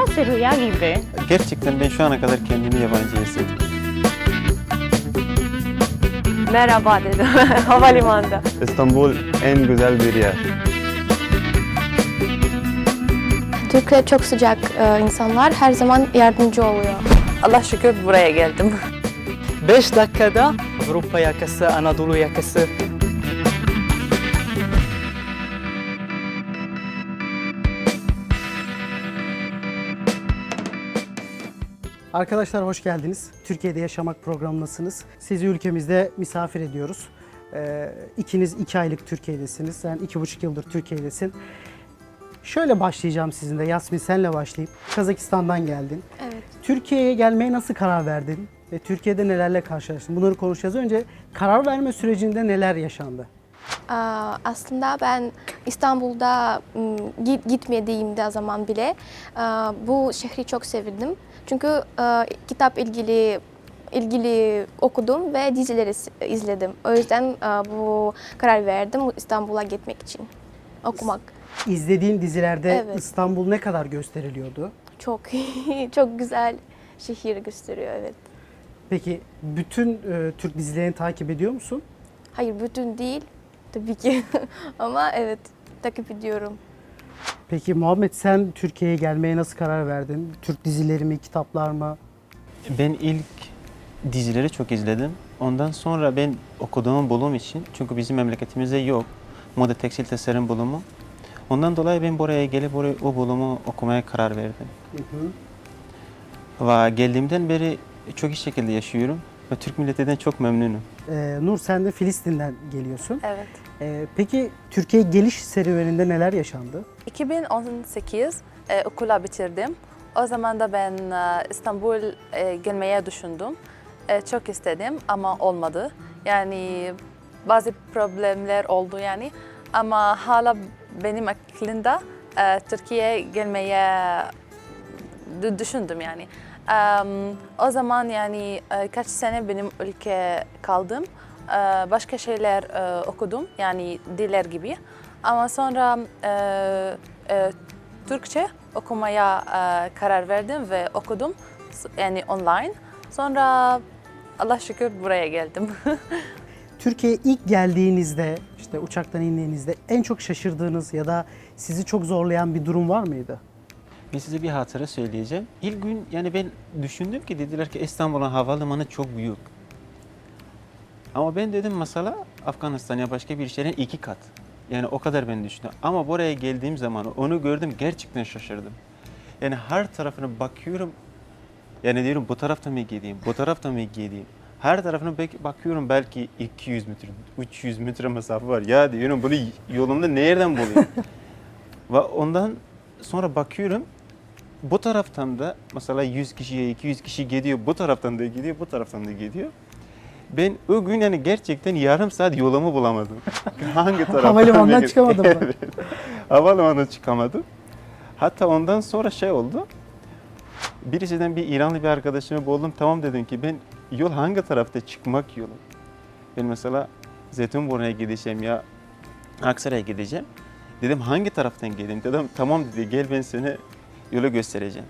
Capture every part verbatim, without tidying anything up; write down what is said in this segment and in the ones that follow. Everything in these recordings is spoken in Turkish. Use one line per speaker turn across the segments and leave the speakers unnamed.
burası rüya gibi.
Gerçekten ben şu ana kadar kendimi yabancı hissettim.
Merhaba dedim havalimanında.
İstanbul en güzel bir yer.
Türkler çok sıcak e, insanlar, her zaman yardımcı oluyor.
Allah şükür buraya geldim.
beş dakikada Avrupa yakası, Anadolu yakası.
Arkadaşlar hoş geldiniz. Türkiye'de Yaşamak programındasınız. Sizi ülkemizde misafir ediyoruz. Ee, ikiniz iki aylık Türkiye'desiniz. Sen iki buçuk yıldır Türkiye'desin. Şöyle başlayacağım sizinle. Yasmin senle başlayayım. Kazakistan'dan geldin.
Evet.
Türkiye'ye gelmeye nasıl karar verdin? Ve Türkiye'de nelerle karşılaştın? Bunları konuşacağız. Önce karar verme sürecinde neler yaşandı?
Aa, aslında ben İstanbul'da m, git, gitmediğimde zaman bile aa, bu şehri çok sevdim. Çünkü aa, kitap ilgili ilgili okudum ve dizileri s- izledim. O yüzden aa, bu karar verdim İstanbul'a gitmek için okumak.
İzlediğin dizilerde
Evet.
İstanbul ne kadar gösteriliyordu?
Çok çok güzel şehir gösteriyor, evet.
Peki bütün e, Türk dizilerini takip ediyor musun?
Hayır, bütün değil tabii ki ama evet, takip ediyorum.
Peki Muhammed, sen Türkiye'ye gelmeye nasıl karar verdin? Türk dizileri mi, kitaplar mı?
Ben ilk dizileri çok izledim. Ondan sonra ben okuduğum bölüm için, çünkü bizim memleketimizde yok, moda tekstil tasarım bölümü. Ondan dolayı ben buraya gelip oraya, o bölümü okumaya karar verdim.
Hı hı.
Ve geldiğimden beri çok iyi şekilde yaşıyorum ve Türk milletinden çok memnunum.
Ee, Nur, sen de Filistin'den geliyorsun.
Evet.
Ee, peki Türkiye geliş serüveninde neler yaşandı?
iki bin on sekiz e, okula bitirdim. O zaman da ben e, İstanbul e, gelmeye düşündüm. E, çok istedim ama olmadı. Yani bazı problemler oldu yani. Ama hala benim aklımda e, Türkiye'ye gelmeye d- düşündüm yani. Em, o zaman yani e, kaç sene benim ülke kaldım. E, başka şeyler e, okudum yani diller gibi. Ama sonra e, e, Türkçe okumaya e, karar verdim ve okudum yani online. Sonra Allah şükür buraya geldim.
Türkiye'ye ilk geldiğinizde, işte uçaktan indiğinizde en çok şaşırdığınız ya da sizi çok zorlayan bir durum var mıydı?
Ben size bir hatıra söyleyeceğim. İlk gün yani ben düşündüm ki dediler ki İstanbul'un havalimanı çok büyük. Ama ben dedim mesela Afganistan ya başka bir şehrin iki kat. Yani o kadar ben düşündüm. Ama buraya geldiğim zaman onu gördüm, gerçekten şaşırdım. Yani her tarafına bakıyorum. Yani diyorum bu tarafta mı gideyim, bu tarafta mı gideyim. Her tarafına bak- bakıyorum, belki iki yüz metre, üç yüz metre mesafe var. Ya diyorum bunu yolumda nereden bulayım? Ve ondan sonra bakıyorum, bu taraftan da mesela yüz kişiye iki yüz kişi gidiyor, bu taraftan da gidiyor, bu taraftan da gidiyor. Ben o gün yani gerçekten yarım saat yolumu bulamadım. Hangi taraftan?
Havalimanından
benim-
çıkamadın mı?
Evet. Havalimanından çıkamadım. Hatta ondan sonra şey oldu. Birisinden bir İranlı bir arkadaşımı buldum. Tamam dedim ki ben yol hangi tarafta, çıkmak yolu. Ben mesela Zeytinburnu'ya gideceğim ya Aksaray'a gideceğim. Dedim hangi taraftan geleyim? Dedim tamam dedi, gel ben seni yolu göstereceğim.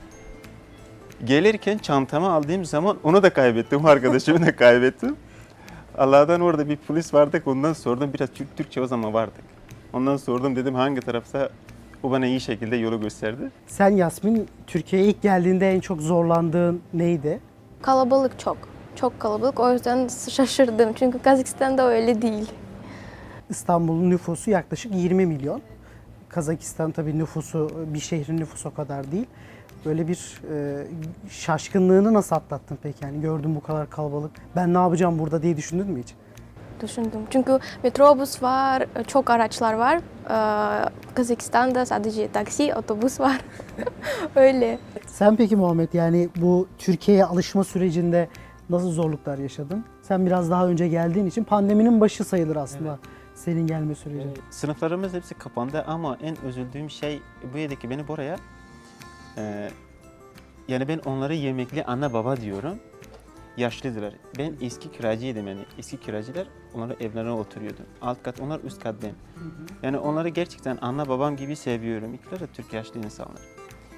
Gelirken çantamı aldığım zaman onu da kaybettim, arkadaşımı da kaybettim. Allah'tan orada bir polis vardık, ondan sordum, biraz Türk Türkçe o zaman vardık. Ondan sordum, dedim hangi tarafta, o bana iyi şekilde yolu gösterdi.
Sen Yasmin, Türkiye'ye ilk geldiğinde en çok zorlandığın neydi?
Kalabalık çok, çok kalabalık. O yüzden şaşırdım çünkü Kazakistan'da öyle değil.
İstanbul'un nüfusu yaklaşık yirmi milyon. Kazakistan tabii nüfusu, bir şehrin nüfusu o kadar değil. Böyle bir e, şaşkınlığını nasıl atlattın peki? Yani gördüm bu kadar kalabalık, ben ne yapacağım burada diye düşündün mü hiç?
Düşündüm. Çünkü metrobüs var, çok araçlar var. Ee, Kazakistan'da sadece taksi, otobüs var. Öyle.
Sen peki Muhammed, yani bu Türkiye'ye alışma sürecinde nasıl zorluklar yaşadın? Sen biraz daha önce geldiğin için pandeminin başı sayılır aslında senin gelme süreci.
Sınıflarımız hepsi kapandı ama en üzüldüğüm şey bu yedi ki beni buraya, e, yani ben onları yemekli anne baba diyorum. Yaşlıdılar. Ben eski kiracıydım yani. Eski kiracılar onları evlerine oturuyordu. Alt kat onlar, üst kat ben. Yani onları gerçekten anne babam gibi seviyorum. İkisi de Türk yaşlı insanlar.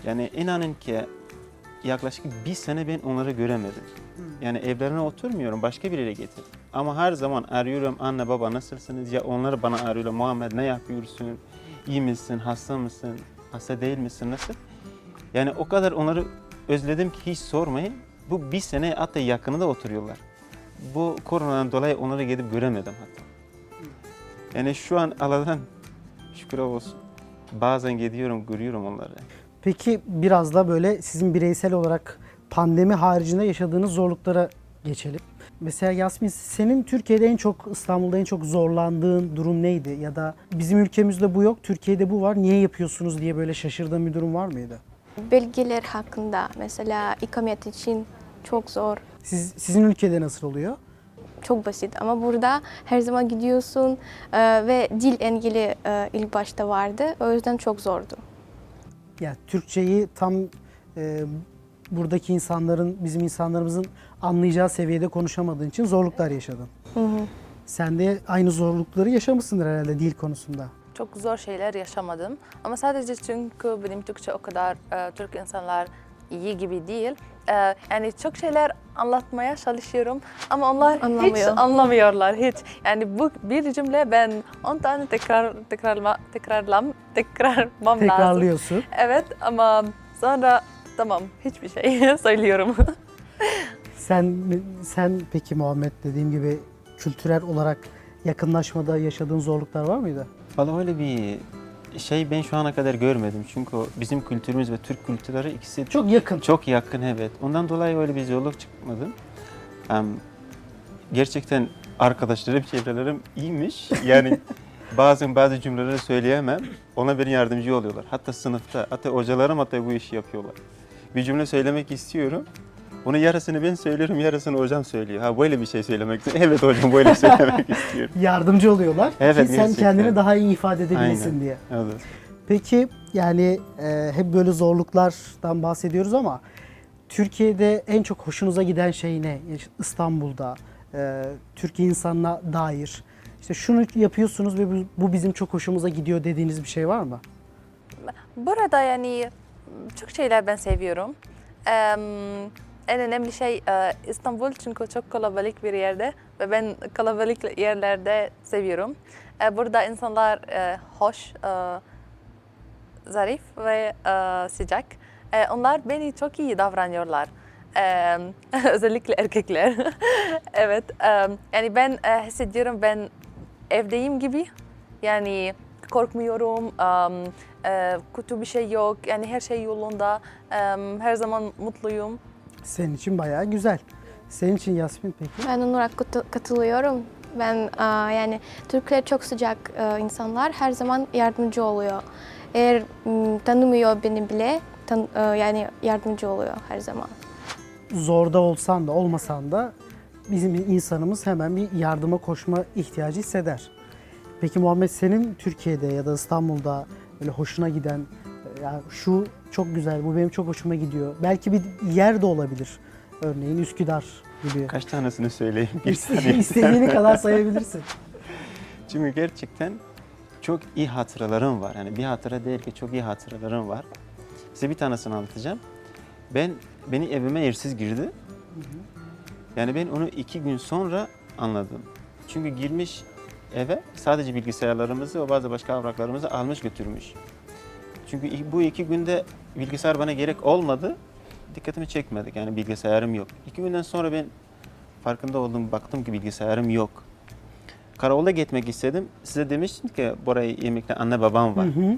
Yani inanın ki yaklaşık bir sene ben onları göremedim. Yani evlerine oturmuyorum, başka bir yere getir. Ama her zaman arıyorum, anne baba nasılsınız? Ya onlar bana arıyorlar, Muhammed ne yapıyorsun? İyi misin, hasta mısın? Hasta değil misin, nasıl? Yani o kadar onları özledim ki hiç sormayın. Bu bir sene hatta yakınında oturuyorlar. Bu koronadan dolayı onları gidip göremedim hatta. Yani şu an Allah'tan şükür olsun. Bazen gidiyorum, görüyorum onları.
Peki biraz da böyle sizin bireysel olarak pandemi haricinde yaşadığınız zorluklara geçelim. Mesela Yasmin, senin Türkiye'de en çok, İstanbul'da en çok zorlandığın durum neydi? Ya da bizim ülkemizde bu yok, Türkiye'de bu var, niye yapıyorsunuz diye böyle şaşırdığın bir durum var mıydı?
Belgeler hakkında mesela ikamet için çok zor.
Siz, sizin ülkede nasıl oluyor?
Çok basit ama burada her zaman gidiyorsun e, ve dil engeli e, ilk başta vardı. O yüzden çok zordu.
Yani Türkçeyi tam e, buradaki insanların, bizim insanlarımızın anlayacağı seviyede konuşamadığın için zorluklar yaşadın.
Hı hı.
Sen de aynı zorlukları yaşamışsındır herhalde dil konusunda.
Çok zor şeyler yaşamadım. Ama sadece çünkü benim Türkçe o kadar e, Türk insanlar iyi gibi değil. E, yani çok şeyler anlatmaya çalışıyorum ama onlar hiç
Anlamıyor.
anlamıyorlar hiç. Yani bu bir cümle ben on tane tekrar tekrarla tekrarlam tekrarmam lazım.
Tekrarlıyorsun.
Evet ama sonra tamam hiçbir şey söylüyorum.
Sen sen peki Muhammed, dediğim gibi kültürel olarak yakınlaşmada yaşadığın zorluklar var mıydı?
Vallahi öyle bir şey ben şu ana kadar görmedim. Çünkü bizim kültürümüz ve Türk kültürleri ikisi
Çok yakın.
çok yakın, evet. Ondan dolayı öyle bir zorluk çıkmadı. Em, gerçekten arkadaşlarım, çevrelerim iyiymiş. Yani bazen bazı cümleleri söyleyemem. Ona beni yardımcı oluyorlar. Hatta sınıfta, hatta hocalarım hatta bu işi yapıyorlar. Bir cümle söylemek istiyorum. Bunu yarısını ben söylüyorum, yarısını hocam söylüyor. Ha böyle bir şey söylemek istiyorum. Evet hocam böyle söylemek istiyorum.
Yardımcı oluyorlar
Evet,
ki sen
gerçekten.
kendini daha iyi ifade edebilesin
Aynen.
diye.
Evet.
Peki yani e, hep böyle zorluklardan bahsediyoruz ama Türkiye'de en çok hoşunuza giden şey ne? Yani İstanbul'da, e, Türkiye insanına dair. İşte şunu yapıyorsunuz ve bu, bu bizim çok hoşumuza gidiyor dediğiniz bir şey var mı?
Burada yani çok şeyler ben seviyorum. Em, En önemli şey e, İstanbul çünkü çok kalabalık bir yerde ve ben kalabalık yerlerde seviyorum. E, Burada insanlar e, hoş, e, zarif ve e, sıcak. E, Onlar beni çok iyi davranıyorlar. E, Özellikle erkekler. Evet, e, yani ben e, hissediyorum ben evdeyim gibi. Yani korkmuyorum, um, e, kötü bir şey yok, yani her şey yolunda, um, her zaman mutluyum.
Senin için bayağı güzel. Senin için Yasmin peki?
Ben onlara katı- katılıyorum. Ben aa, yani Türkler çok sıcak e, insanlar, her zaman yardımcı oluyor. Eğer m, tanımıyor beni bile, tan- e, yani yardımcı oluyor her zaman.
Zorda olsan da olmasan da bizim insanımız hemen bir yardıma koşma ihtiyacı hisseder. Peki Muhammed, senin Türkiye'de ya da İstanbul'da böyle hoşuna giden, ya şu çok güzel, bu benim çok hoşuma gidiyor. Belki bir yer de olabilir. Örneğin Üsküdar gibi.
Kaç tanesini söyleyeyim? Bir
İste-
saniye.
İstediğini kadar sayabilirsin.
Çünkü gerçekten çok iyi hatıralarım var. Yani bir hatıra değil ki çok iyi hatıralarım var. Size bir tanesini anlatacağım. Ben beni evime hırsız girdi. Yani ben onu iki gün sonra anladım. Çünkü girmiş eve sadece bilgisayarlarımızı ve bazı başka evraklarımızı almış götürmüş. Çünkü bu iki günde bilgisayar bana gerek olmadı. Dikkatimi çekmedik, yani bilgisayarım yok. İki günden sonra ben farkında oldum, baktım ki bilgisayarım yok. Karakolda gitmek istedim. Size demiştim ki buraya yemekte anne babam var.
Hı hı.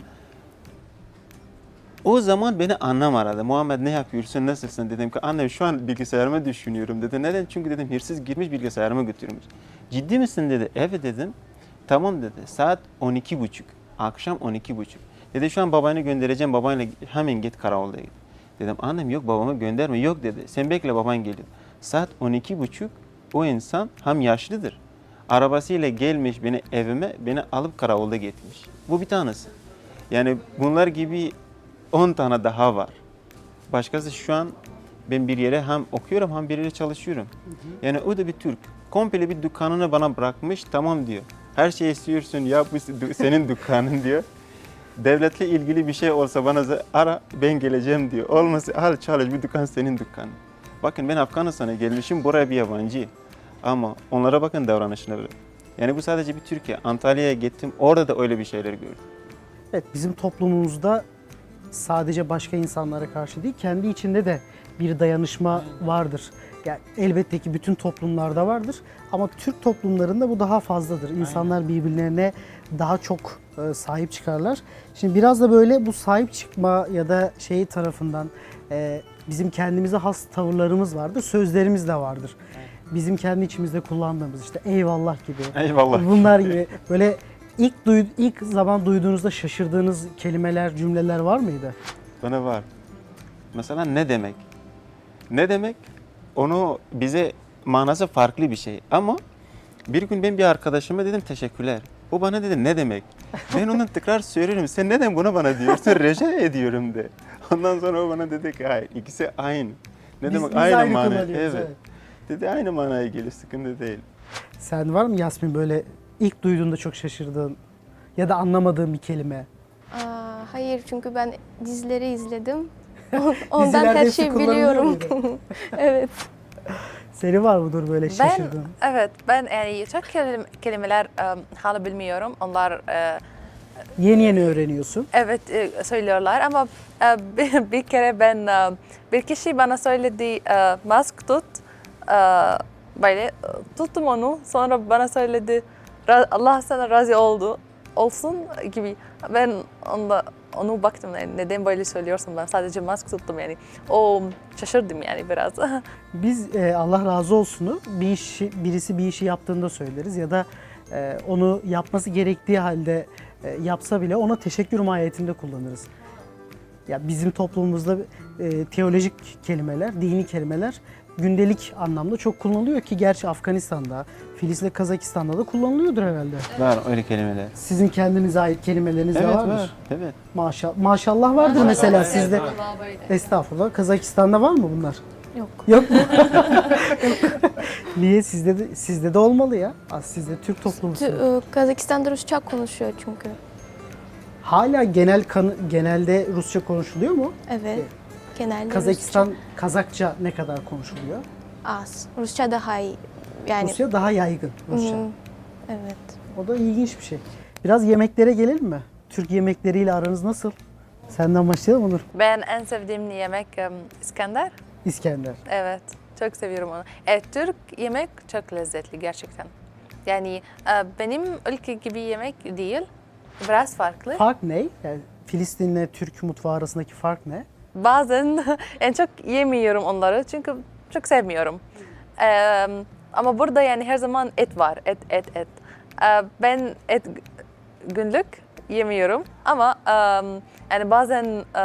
O zaman beni annem aradı. Muhammed ne yapıyorsun, nasılsın? Dedim ki annem şu an bilgisayarımı düşünüyorum dedi. Neden? Çünkü dedim hırsız girmiş bilgisayarımı götürmüş. Ciddi misin dedi. Evet dedim. Tamam dedi. Saat on iki buçuk. Akşam on iki buçuk. Dedi şu an babanı göndereceğim. Babanla hemen git karakolda git. Dedim annem yok babamı gönderme. Yok dedi. Sen bekle baban geliyor. Saat on iki buçuk o insan hem yaşlıdır. Arabasıyla gelmiş beni evime, beni alıp karakolda gitmiş. Bu bir tanesi. Yani bunlar gibi on tane daha var. Başkası şu an ben bir yere hem okuyorum hem bir yere çalışıyorum. Yani o da bir Türk. Komple bir dükkanını bana bırakmış, tamam diyor. Her şeyi istiyorsun ya bu senin dükkanın diyor. Devletle ilgili bir şey olsa bana za- ara ben geleceğim diyor. Olmasa al çalış bir dükkan senin dükkanın. Bakın ben Afganistan'a gelmişim buraya bir yabancı. Ama onlara bakın davranışına bile. Yani bu sadece bir Türkiye. Antalya'ya gittim orada da öyle bir şeyler gördüm.
Evet, bizim toplumumuzda sadece başka insanlara karşı değil, kendi içinde de bir dayanışma vardır. Yani elbette ki bütün toplumlarda vardır ama Türk toplumlarında bu daha fazladır. İnsanlar birbirlerine daha çok e, sahip çıkarlar. Şimdi biraz da böyle bu sahip çıkma ya da şey tarafından e, bizim kendimize has tavırlarımız vardır, sözlerimiz de vardır. Bizim kendi içimizde kullandığımız işte eyvallah gibi.
Eyvallah.
Bunlar gibi böyle ilk duy, ilk zaman duyduğunuzda şaşırdığınız kelimeler, cümleler var mıydı?
Bana var. Mesela ne demek? Ne demek? Onu bize manası farklı bir şey. Ama bir gün ben bir arkadaşıma dedim teşekkürler. O bana dedi ne demek? Ben onu tekrar söylüyorum. Sen neden bunu bana diyorsun? Rica ediyorum de. Ondan sonra o bana dedi ki hayır ikisi aynı. Ne
Biz-
demek
biz
aynı,
aynı
mana?
kullanıyoruz,
Evet.
evet.
Dedi aynı manaya geliyor sıkıntı değil.
Sen var mı Yasmin böyle ilk duyduğunda çok şaşırdığın ya da anlamadığın bir kelime?
Aa, hayır çünkü ben dizileri izledim. Ondan
Dizilerde
her
hepsi
şeyi
kullanılıyor
biliyorum.
muydu?
Evet.
Senin var mıdır böyle
Ben
şaşırdığın?
evet ben yani çok kelim- kelimeler e, hala bilmiyorum. Onlar e,
Yeni yeni öğreniyorsun.
evet e, söylüyorlar ama e, bir, bir kere ben e, bir kişi bana söyledi e, mask tut. E, böyle e, tuttum onu. Sonra bana söyledi "Ra- Allah sana razı oldu olsun gibi. Ben onda onu baktım yani neden böyle söylüyorsun ben sadece mask tuttum yani. O şaşırdım yani biraz.
Biz e, Allah razı olsunu bir işi, birisi bir işi yaptığında söyleriz ya da e, onu yapması gerektiği halde e, yapsa bile ona teşekkür mahiyetinde kullanırız. Ya bizim toplumumuzda e, teolojik kelimeler, dini kelimeler gündelik anlamda çok kullanılıyor ki gerçi Afganistan'da, Filistin'de, Kazakistan'da da kullanılıyordur herhalde.
Var öyle kelimeler.
Sizin kendinize ait kelimeleriniz de
Evet
vardır.
var. Evet.
Maşallah, maşallah vardır mesela sizde. Estağfurullah. Kazakistan'da var mı bunlar?
Yok.
Yok mu? Niye sizde de sizde de olmalı ya? Az sizde Türk toplumusunuz.
Tü- e, Kazakistan'da Rusça konuşuyor çünkü.
Hala genel kanı, genelde Rusça konuşuluyor mu?
Evet. Genelde
Kazakistan Kazakça ne kadar konuşuluyor?
Rusça az. Rusça daha iyi. Yani
Rusya daha yaygın Rusça.
Hmm, evet.
O da ilginç bir şey. Biraz yemeklere gelelim mi? Türk yemekleriyle aranız nasıl? Senden başlayalım Onur.
Ben en sevdiğim yemek e, İskender.
İskender.
Evet, çok seviyorum onu. Evet, Türk yemek çok lezzetli gerçekten. Yani e, benim ülke gibi yemek değil, biraz farklı.
Fark ne? Yani Filistin'le Türk mutfağı arasındaki fark ne?
Bazen en çok yemiyorum onları çünkü çok sevmiyorum. E, ama burada yani her zaman et var, et, et, et. E, ben et günlük yemiyorum ama e, yani bazen e,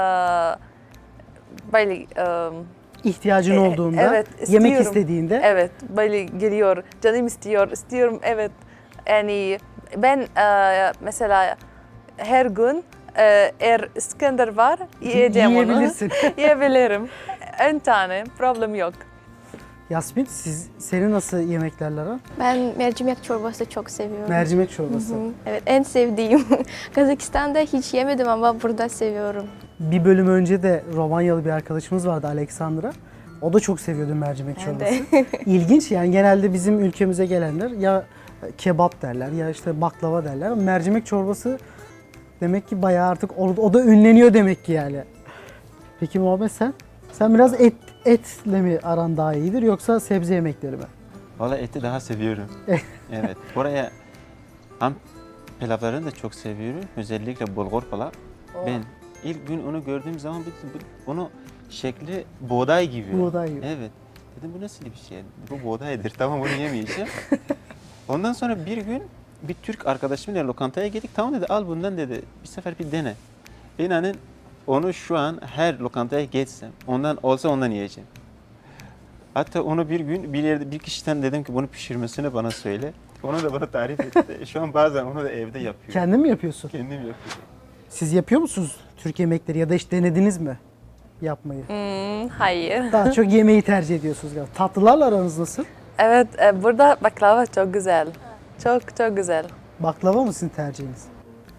böyle... E,
İhtiyacın
E,
olduğunda,
evet,
yemek
istiyorum.
istediğinde
Evet, böyle geliyor. Canım istiyor, istiyorum. Evet. Yani ben e, mesela her gün e, eğer İskender var, yiyeceğim
yiyebilirsin.
onu. Yiyebilirim. En tane, problem yok.
Yasmin, siz senin nasıl yemeklerle aran?
Ben mercimek çorbası çok seviyorum.
Mercimek çorbası.
Hı, evet, en sevdiğim. Kazakistan'da hiç yemedim ama burada seviyorum.
Bir bölüm önce de Romanyalı bir arkadaşımız vardı, Alexandra. O da çok seviyordu mercimek
Ben
çorbası.
de.
İlginç yani, genelde bizim ülkemize gelenler ya kebap derler ya işte baklava derler. Ama mercimek çorbası demek ki bayağı artık o, o da ünleniyor demek ki yani. Peki Muhammed sen? Sen biraz et etle mi aran daha iyidir yoksa sebze yemekleri mi?
Valla eti daha seviyorum. Evet. Buraya ham pilavlarını da çok seviyorum. Özellikle bulgur pilav. Ben ilk gün onu gördüğüm zaman bir- bir- onu şekli buğday gibi.
Buğday gibi.
Evet. Dedim bu nasıl bir şey? Bu buğdaydır. Tamam bunu yemeyeceğim. Ondan sonra bir gün bir Türk arkadaşımla lokantaya gittik. Tamam dedi al bundan dedi. Bir sefer bir dene. İnanın onu şu an her lokantaya geçsem ondan olsa ondan yiyeceğim. Hatta onu bir gün bir yerde bir kişiden dedim ki bunu pişirmesini bana söyle. Onu da bana tarif etti. Şu an bazen onu da evde yapıyorum.
Kendin mi yapıyorsun?
Kendim yapıyorum.
Siz yapıyor musunuz Türk yemekleri ya da hiç denediniz mi yapmayı?
Hmm, hayır.
Daha çok yemeği tercih ediyorsunuz galiba. Tatlılarla aranız nasıl?
Evet, e, burada baklava çok güzel. Çok çok güzel.
Baklava mı sizin tercihiniz?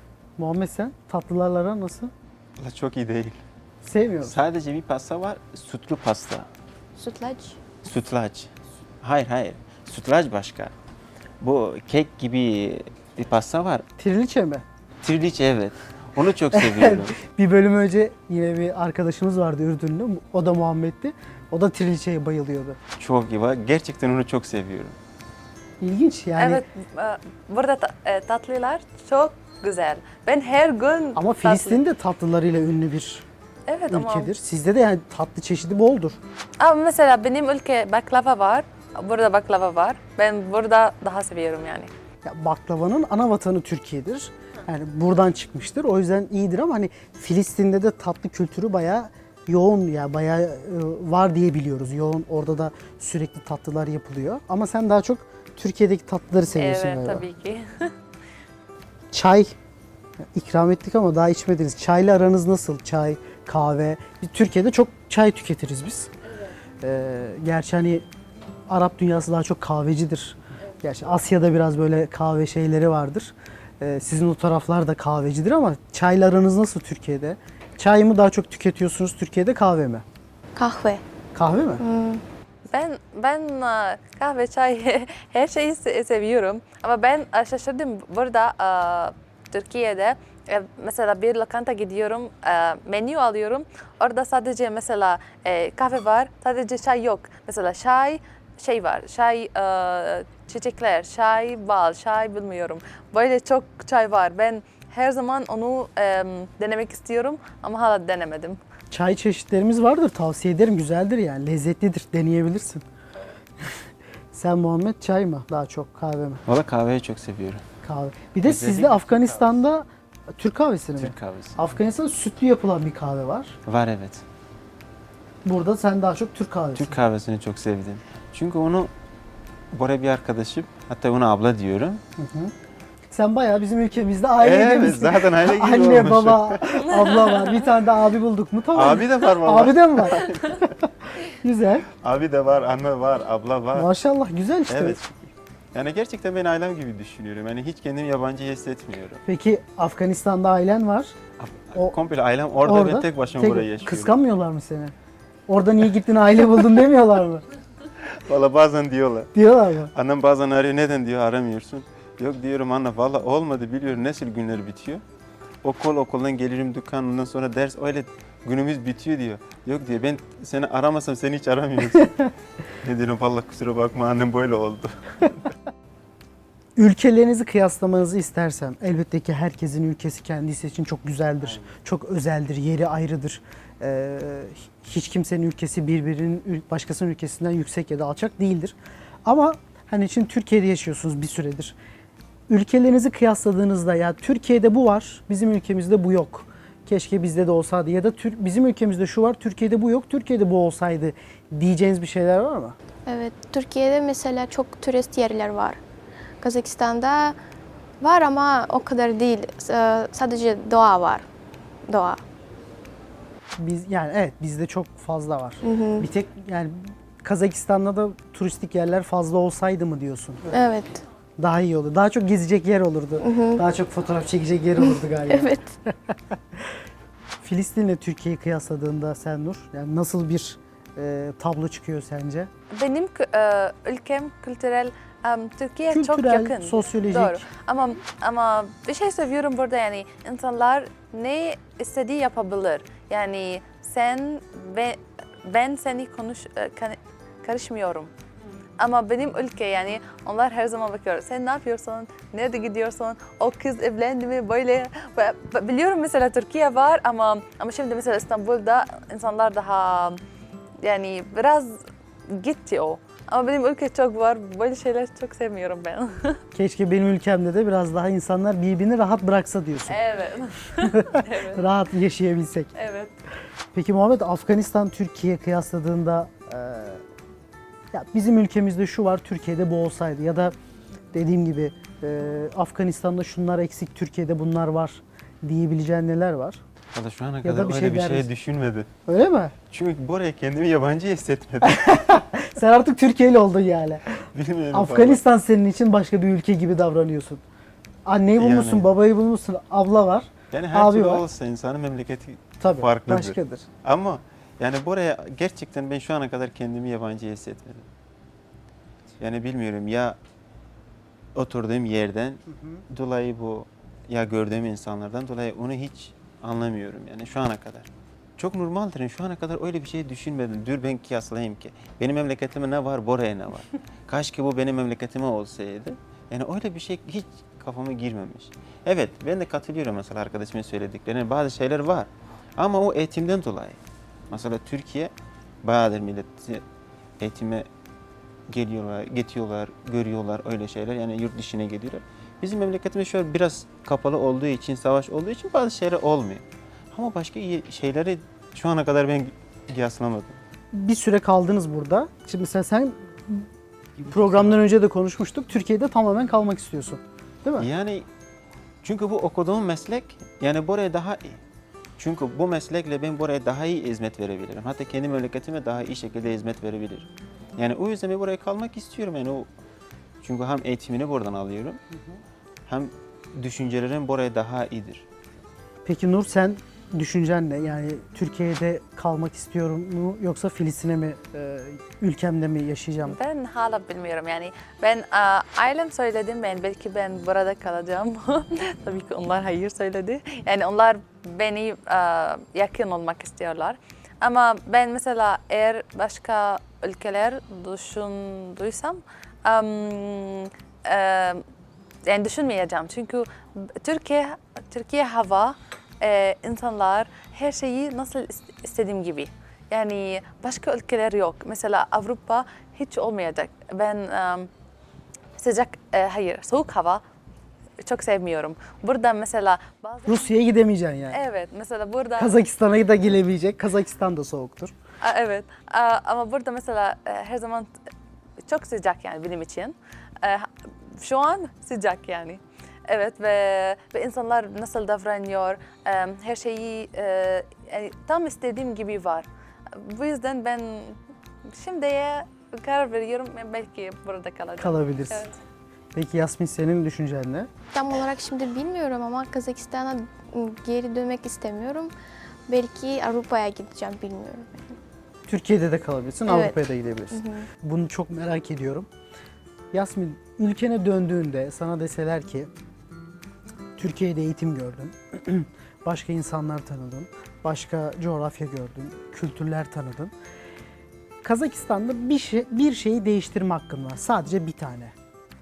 Muhammed sen tatlılarla aran nasıl?
Valla çok iyi değil.
Sevmiyorum.
Sadece bir pasta var, sütlü pasta.
Sütlaç.
Sütlaç. Hayır hayır, sütlaç başka. Bu kek gibi bir pasta var.
Triliçe mi?
Triliçe evet. Onu çok seviyorum.
Bir bölüm önce yine bir arkadaşımız vardı Ürdünlü. O da Muhammed'ti. O da triliçeye bayılıyordu.
Çok iyi var. Gerçekten onu çok seviyorum.
İlginç yani.
Evet, e, burada ta- e, tatlılar çok güzel. Ben her gün
Ama
tatlı-
Filistin de tatlılarıyla ünlü bir
evet, ama,
ülkedir. Sizde de yani tatlı çeşidi boldur.
ama mesela benim ülke baklava var. Burada baklava var. Ben burada daha seviyorum yani.
Ya baklavanın ana vatanı Türkiye'dir. Yani buradan çıkmıştır. O yüzden iyidir ama hani Filistin'de de tatlı kültürü bayağı yoğun ya bayağı e, var diye biliyoruz. Yoğun orada da sürekli tatlılar yapılıyor. Ama sen daha çok Türkiye'deki tatlıları seviyorsun
Evet,
galiba.
tabii ki.
Çay ikram ettik ama daha içmediniz. Çayla aranız nasıl? Çay, kahve. Biz Türkiye'de çok çay tüketiriz biz. Ee, gerçi hani Arap dünyası daha çok kahvecidir. Gerçi Asya'da biraz böyle kahve şeyleri vardır. Ee, sizin o taraflar da kahvecidir ama çayla aranız nasıl Türkiye'de? Çay mı daha çok tüketiyorsunuz Türkiye'de, kahve mi?
Kahve.
Kahve mi?
Ben ben e, kahve, çay her şeyi se- seviyorum. Ama ben e, şaşırdım burada e, Türkiye'de e, mesela bir lokanta gidiyorum, e, menü alıyorum. Orada sadece mesela e, kahve var, sadece çay yok. Mesela çay şey var, çay e, çiçekler, çay bal, çay bilmiyorum. Böyle çok çay var. Ben her zaman onu e, denemek istiyorum ama hala denemedim.
Çay çeşitlerimiz vardır. Tavsiye ederim. Güzeldir yani. Lezzetlidir. Deneyebilirsin. Sen Muhammed çay mı? Daha çok kahve mi?
Valla kahveyi çok seviyorum.
Kahve. Bir de
Özellikle
sizde
Türk
Afganistan'da Türk kahvesini mi?
Türk kahvesi.
Afganistan'da sütlü yapılan bir kahve var.
Var evet.
Burada sen daha çok Türk kahvesi.
Türk kahvesini çok sevdim. Çünkü onu Bora bir arkadaşım, hatta ona abla diyorum.
Sen bayağı bizim ülkemizde aile
Evet,
gibisin.
zaten aile gibi
Anne,
olmuş.
baba, abla var. Bir tane de abi bulduk mu? Tamam.
Abi de var valla.
Abi de mi var? Güzel.
Abi de var, anne var, abla var.
Maşallah güzel işte.
Evet. Yani gerçekten ben ailem gibi düşünüyorum. Yani hiç kendimi yabancı hissetmiyorum.
Peki Afganistan'da ailen var. O-
Komple ailem orada,
Orada
ve tek başıma
tek-
buraya yaşıyorum.
Kıskanmıyorlar mı seni? Orada niye gittin aile buldun demiyorlar mı?
Valla bazen diyorlar.
Diyorlar mı?
Annem bazen arıyor, neden diyor aramıyorsun? Yok diyorum anne valla olmadı biliyorum nasıl günler bitiyor. Okul okuldan gelirim dükkan ondan sonra ders öyle günümüz bitiyor diyor. Yok diyor ben seni aramasam seni hiç aramıyorsun. Ne diyorum valla kusura bakma annem böyle oldu.
Ülkelerinizi kıyaslamanızı istersem elbette ki herkesin ülkesi kendisi için çok güzeldir. Çok özeldir, yeri ayrıdır. Ee, hiç kimsenin ülkesi birbirinin ül- başkasının ülkesinden yüksek ya da alçak değildir. Ama hani şimdi Türkiye'de yaşıyorsunuz bir süredir. Ülkelerinizi kıyasladığınızda ya Türkiye'de bu var, bizim ülkemizde bu yok. Keşke bizde de olsaydı ya da Tür- bizim ülkemizde şu var, Türkiye'de bu yok, Türkiye'de bu olsaydı diyeceğiniz bir şeyler var mı?
Evet, Türkiye'de mesela çok turist yerler var. Kazakistan'da var ama o kadar değil. Ee, Sadece doğa var. Doğa.
Biz yani evet bizde çok fazla var. Bir tek yani Kazakistan'da da turistik yerler fazla olsaydı mı diyorsun?
Evet.
Daha iyi olur. Daha çok gezecek yer olurdu. Daha çok fotoğraf çekecek yer olurdu galiba.
Evet.
Filistin'le Türkiye'yi kıyasladığında sen Nur, yani nasıl bir e, tablo çıkıyor sence?
Benim kü- e, ülkem kültürel, em, Türkiye çok
Kültürel,
yakın.
sosyolojik.
Doğru. Ama ama bir şey seviyorum burada yani insanlar ne istediği yapabilir. Yani sen ve ben seni konuş e, kan- karışmıyorum. Ama benim ülke yani onlar her zaman bakıyor. Sen ne yapıyorsun? Nerede gidiyorsun? O kız evlendi mi? Böyle Ve- ve biliyorum mesela Türkiye var ama ama şimdi mesela İstanbul'da insanlar daha yani biraz gitti o. Ama benim ülke çok var. Böyle şeyler çok sevmiyorum ben.
Keşke benim ülkemde de biraz daha insanlar birbirini rahat bıraksa diyorsun.
Evet. evet.
Rahat yaşayabilsek.
Evet.
Peki Muhammed, Afganistan Türkiye kıyasladığında e, ya bizim ülkemizde şu var, Türkiye'de bu olsaydı ya da dediğim gibi e, Afganistan'da şunlar eksik, Türkiye'de bunlar var diyebileceğin neler var?
Valla şu ana
Ya da
kadar
bir
öyle
şey
bir
der
şey
misin?
düşünmedim.
Öyle mi?
Çünkü buraya kendimi yabancı hissetmedim.
Sen artık Türkiye'li oldun yani.
Bilmiyorum
Afganistan senin için başka bir ülke gibi davranıyorsun. Anneyi bulmuşsun,
Yani.
babayı bulmuşsun, abla var.
Yani her
Abi
türlü
var.
olsa insanın memleketi
Tabii
farklıdır.
başkadır.
Ama yani buraya gerçekten ben şu ana kadar kendimi yabancı hissetmedim. Yani bilmiyorum ya oturduğum yerden dolayı bu ya gördüğüm insanlardan dolayı onu hiç anlamıyorum yani şu ana kadar. Çok normaldir. Yani şu ana kadar öyle bir şey düşünmedim. Dur ben kıyaslayayım ki. Benim memleketime ne var, buraya ne var? Kaşke bu benim memleketime olsaydı. Yani öyle bir şey hiç kafama girmemiş. Evet ben de katılıyorum mesela arkadaşımın söylediklerine. Bazı şeyler var. Ama o eğitimden dolayı. Mesela Türkiye bayağıdır millet eğitime geliyorlar, getiriyorlar, görüyorlar öyle şeyler. Yani yurt dışına geliyorlar. Bizim memleketimiz şöyle biraz kapalı olduğu için, savaş olduğu için bazı şeyler olmuyor. Ama başka iyi şeyleri şu ana kadar ben kıyaslamadım.
Bir süre kaldınız burada. Şimdi mesela sen programdan önce de konuşmuştuk. Türkiye'de tamamen kalmak istiyorsun. Değil mi?
Yani çünkü bu okuduğum meslek yani buraya daha iyi. Çünkü bu meslekle ben buraya daha iyi hizmet verebilirim. Hatta kendi memleketime daha iyi şekilde hizmet verebilirim. Yani o yüzden ben buraya kalmak istiyorum. Yani o çünkü hem eğitimini buradan alıyorum. Hem düşüncelerim buraya daha iyidir.
Peki Nur sen düşüncen ne? Yani Türkiye'de kalmak istiyorum mu yoksa Filistin'e mi, e, ülkemde mi yaşayacağım?
Ben hala bilmiyorum yani ben e, ailem söyledim ben belki ben burada kalacağım. Tabii ki onlar hayır söyledi. Yani onlar beni e, yakın olmak istiyorlar. Ama ben mesela eğer başka ülkeler düşündüysem em, e, yani düşünmeyeceğim çünkü Türkiye Türkiye hava e, insanlar her şeyi nasıl ist- istediğim gibi. Yani başka ülkeler yok. Mesela Avrupa hiç olmayacak. Ben um, sıcak, e, hayır soğuk hava çok sevmiyorum. Burada mesela bazı...
Rusya'ya gidemeyeceksin yani.
Evet, mesela burada...
Kazakistan'a da gelemeyecek. Kazakistan da soğuktur.
Aa, evet, Aa, ama burada mesela e, her zaman çok sıcak yani benim için. E, Şu an sıcak yani. Evet ve, ve insanlar nasıl davranıyor, e, her şeyi e, yani tam istediğim gibi var. Bu yüzden ben şimdiye karar veriyorum belki burada kalacağım.
Kalabilirsin.
Evet.
Peki Yasmin senin düşüncen ne?
Tam olarak şimdi bilmiyorum ama Kazakistan'a geri dönmek istemiyorum. Belki Avrupa'ya gideceğim bilmiyorum.
Türkiye'de de kalabilirsin,
Evet.
Avrupa'ya da gidebilirsin. Bunu çok merak ediyorum. Yasmin, ülkene döndüğünde sana deseler ki Türkiye'de eğitim gördün, başka insanlar tanıdın, başka coğrafya gördün, kültürler tanıdın. Kazakistan'da bir şey, bir şeyi değiştirme hakkın var. Sadece bir tane.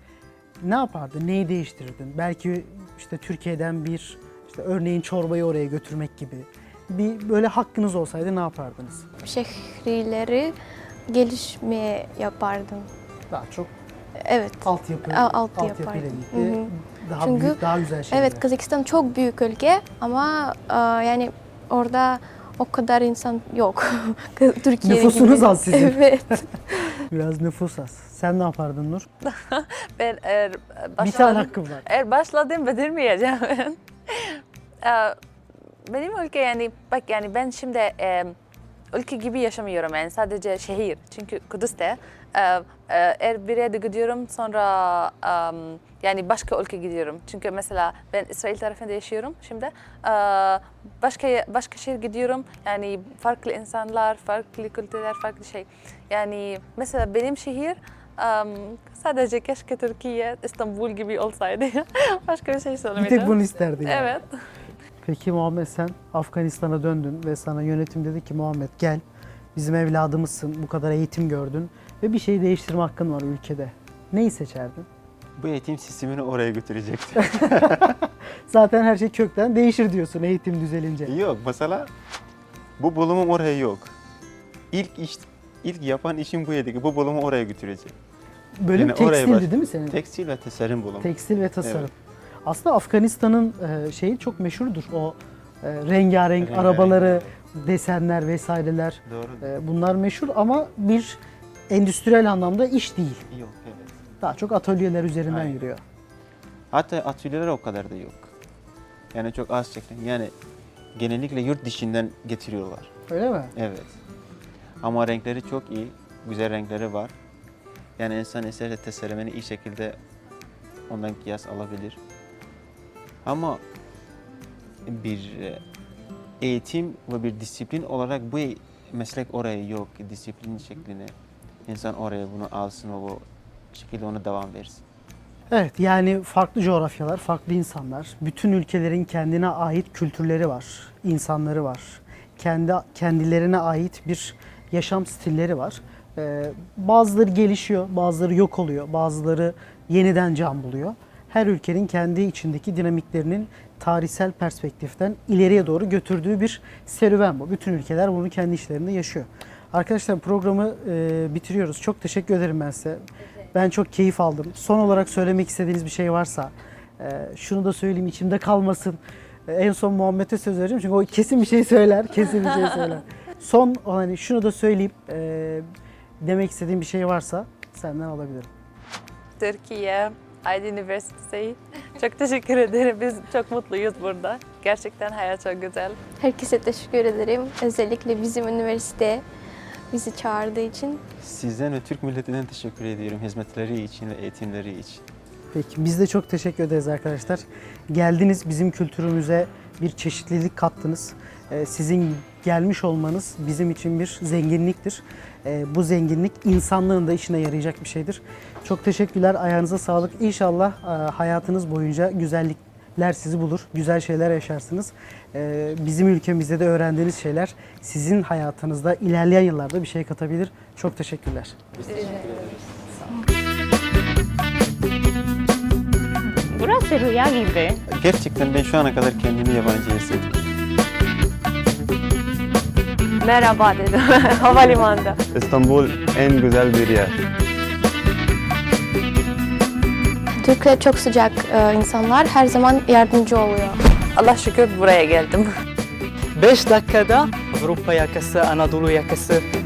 Ne yapardın? Neyi değiştirirdin? Belki işte Türkiye'den bir işte örneğin çorbayı oraya götürmek gibi. Bir böyle hakkınız olsaydı ne yapardınız?
Şehirleri gelişmeye yapardım.
Daha çok
Evet.
altyapı,
A- altyapı
altyapıyla
yapardım.
birlikte
Hı hı.
daha
Çünkü-
büyük, daha güzel şeyler.
Evet, Kazakistan çok büyük ülke ama e, yani orada o kadar insan yok. Türkiye
Nüfusunuz
gibi.
az sizin.
Evet.
Biraz nüfus az. Sen ne yapardın Nur?
Ben eğer
Bir
başladım,
tane hakkım var.
eğer başladım bitirmeyeceğim ben. Ee, Benim ülke yani bak yani ben şimdi e, ülke gibi yaşamıyorum yani sadece şehir. Çünkü Kudüs'te e, e, eğer bir yere gidiyorum sonra e, yani başka ülke gidiyorum. Çünkü mesela ben İsrail tarafında yaşıyorum şimdi. E, başka başka şehir gidiyorum. Yani farklı insanlar, farklı kültürler, farklı şey. Yani mesela benim şehir e, sadece keşke Türkiye, İstanbul gibi olsaydı. Başka bir şey
Bir
söylemeyeceğim.
tek bunu isterdin yani.
Evet.
Peki Muhammed sen Afganistan'a döndün ve sana yönetim dedi ki Muhammed gel bizim evladımızsın, bu kadar eğitim gördün ve bir şeyi değiştirme hakkın var ülkede. Neyi seçerdin?
Bu eğitim sistemini oraya götürecektim.
Zaten her şey kökten değişir diyorsun eğitim düzelince.
Yok mesela bu bulumum oraya yok. İlk iş, ilk yapan işim bu yedi ki bu bulumu oraya götüreceğim.
Bölüm
Yani oraya
tekstildi
baş-
değil mi senin?
Tekstil ve tasarım bulumu.
Tekstil ve tasarım.
Evet.
Aslında Afganistan'ın e, şeyi çok meşhurdur. O e, rengarenk
Rengarenk.
arabaları, desenler vesaireler.
Doğru.
E, bunlar meşhur ama bir endüstriyel anlamda iş değil.
Yok evet.
Daha çok atölyeler üzerinden
Aynen.
yürüyor.
Hatta atölyeler o kadar da yok. Yani çok az çekim. Yani genellikle yurt dışından getiriyorlar.
Öyle mi?
Evet. Ama renkleri çok iyi. Güzel renkleri var. Yani insan isterse tasarımını iyi şekilde ondan kıyas alabilir. Ama bir e, eğitim ve bir disiplin olarak bu meslek oraya yok. Disiplin şeklinde insan oraya bunu alsın ve o şekilde ona devam versin.
Evet, yani farklı coğrafyalar, farklı insanlar, bütün ülkelerin kendine ait kültürleri var, insanları var. Kendi kendilerine ait bir yaşam stilleri var. Ee, bazıları gelişiyor, bazıları yok oluyor, bazıları yeniden can buluyor. Her ülkenin kendi içindeki dinamiklerinin tarihsel perspektiften ileriye doğru götürdüğü bir serüven bu. Bütün ülkeler bunu kendi işlerinde yaşıyor. Arkadaşlar programı e, bitiriyoruz. Çok teşekkür ederim ben size. Ben çok keyif aldım. Son olarak söylemek istediğiniz bir şey varsa e, şunu da söyleyeyim, içimde kalmasın. E, en son Muhammed'e söz vereceğim çünkü o kesin bir şey söyler, kesin bir şey söyler. Son hani şunu da söyleyip e, demek istediğim bir şey varsa senden alabilirim.
Türkiye Aydın Üniversitesi. Çok teşekkür ederim. Biz çok mutluyuz burada. Gerçekten hayat çok güzel.
Herkese teşekkür ederim. Özellikle bizim üniversite bizi çağırdığı için.
Sizden ve Türk milletinden teşekkür ediyorum hizmetleri için ve eğitimleri için.
Peki biz de çok teşekkür ederiz arkadaşlar. Geldiniz, bizim kültürümüze bir çeşitlilik kattınız. Ee, sizin gelmiş olmanız bizim için bir zenginliktir. Ee, bu zenginlik insanlığın da işine yarayacak bir şeydir. Çok teşekkürler, ayağınıza sağlık. İnşallah e, hayatınız boyunca güzellikler sizi bulur, güzel şeyler yaşarsınız. Ee, bizim ülkemizde de öğrendiğiniz şeyler sizin hayatınızda ilerleyen yıllarda bir şey katabilir. Çok teşekkürler.
Burası rüya gibi.
Gerçekten ben şu ana kadar kendimi yabancı hissettim.
Merhaba dedim havalimanında.
İstanbul en güzel bir yer.
Türkler çok sıcak e, insanlar, her zaman yardımcı oluyor.
Allah şükür buraya geldim.
beş dakikada Avrupa yakası, Anadolu yakası